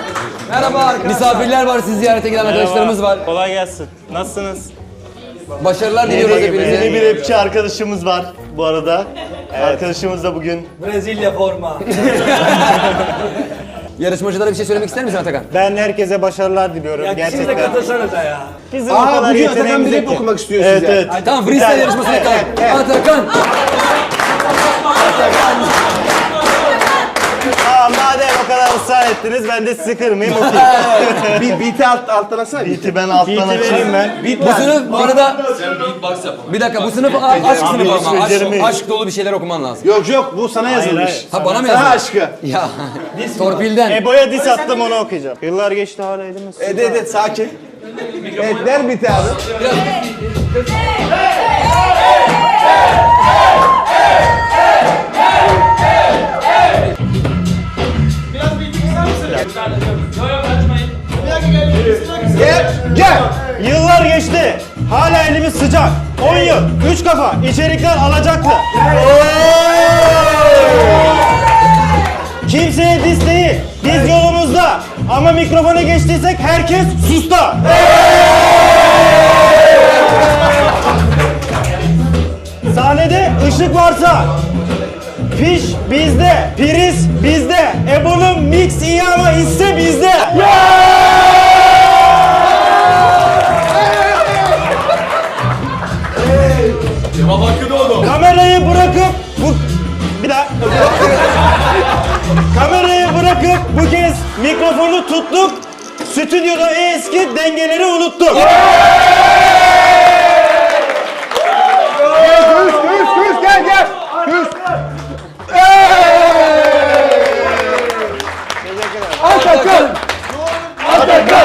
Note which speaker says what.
Speaker 1: Merhaba arkadaşlar. Misafirler var, sizi ziyarete gelen arkadaşlarımız var.
Speaker 2: Kolay gelsin. Nasılsınız?
Speaker 1: Başarılar diliyoruz hepinize.
Speaker 3: Yeni bir rapçi arkadaşımız var bu arada. Arkadaşımız da bugün
Speaker 4: Brezilya forma.
Speaker 1: Yarışmacılara bir şey söylemek ister misin Atakan?
Speaker 2: Ben herkese başarılar diliyorum.
Speaker 4: Ya siz de
Speaker 2: Gerçekten.
Speaker 4: katılsanıza ya.
Speaker 2: Bizim o kadar
Speaker 5: Bugün Atakan bir
Speaker 2: yeteneğimiz
Speaker 5: rap
Speaker 2: yok ki.
Speaker 5: okumak istiyor
Speaker 3: evet
Speaker 5: size.
Speaker 3: evet.
Speaker 1: Tamam, freestyle yarışmasına kalk. Atakan.
Speaker 3: Aa, madem o kadar ısrar ettiniz ben de sizi kırmayayım okuyayım.
Speaker 5: Bir beat'i alttan atsana.
Speaker 3: Beat'i ben alttan
Speaker 2: Beat'i vereyim
Speaker 3: açayım.
Speaker 2: ben.
Speaker 1: Bu sınıf bu arada... Bir dakika, bu sınıf aşk sınıfı ama.
Speaker 3: beceremiyorum.
Speaker 1: Aşk dolu bir şeyler okuman lazım.
Speaker 5: Yok yok bu sana yazılmış.
Speaker 2: hayır.
Speaker 1: Ha, bana mı
Speaker 5: Sana
Speaker 1: yazdın?
Speaker 5: aşkı.
Speaker 1: Ya, torpilden.
Speaker 2: Ebo'ya diss attım, onu okuyacağım. Yıllar geçti hala elimiz.
Speaker 5: Evet sakin. Evet ver beat'i abi. Gel.
Speaker 2: Yıllar geçti. Hala elimiz sıcak. 10 yıl, 3 kafa, içerikler alacaklı. Kimseye diss değil, biz yolumuzda. Ama mikrofona geçtiysek herkes susta. Sahnede ışık varsa fiş bizde, priz bizde. Ebo'nun mix iyi ama hisse bizde. Kamerayı bırakıp bir daha. Kamerayı bırakıp bu kez mikrofonu tuttuk. Stüdyoda eski dengeleri unuttuk.
Speaker 5: Küs gel. Küs. Atakan.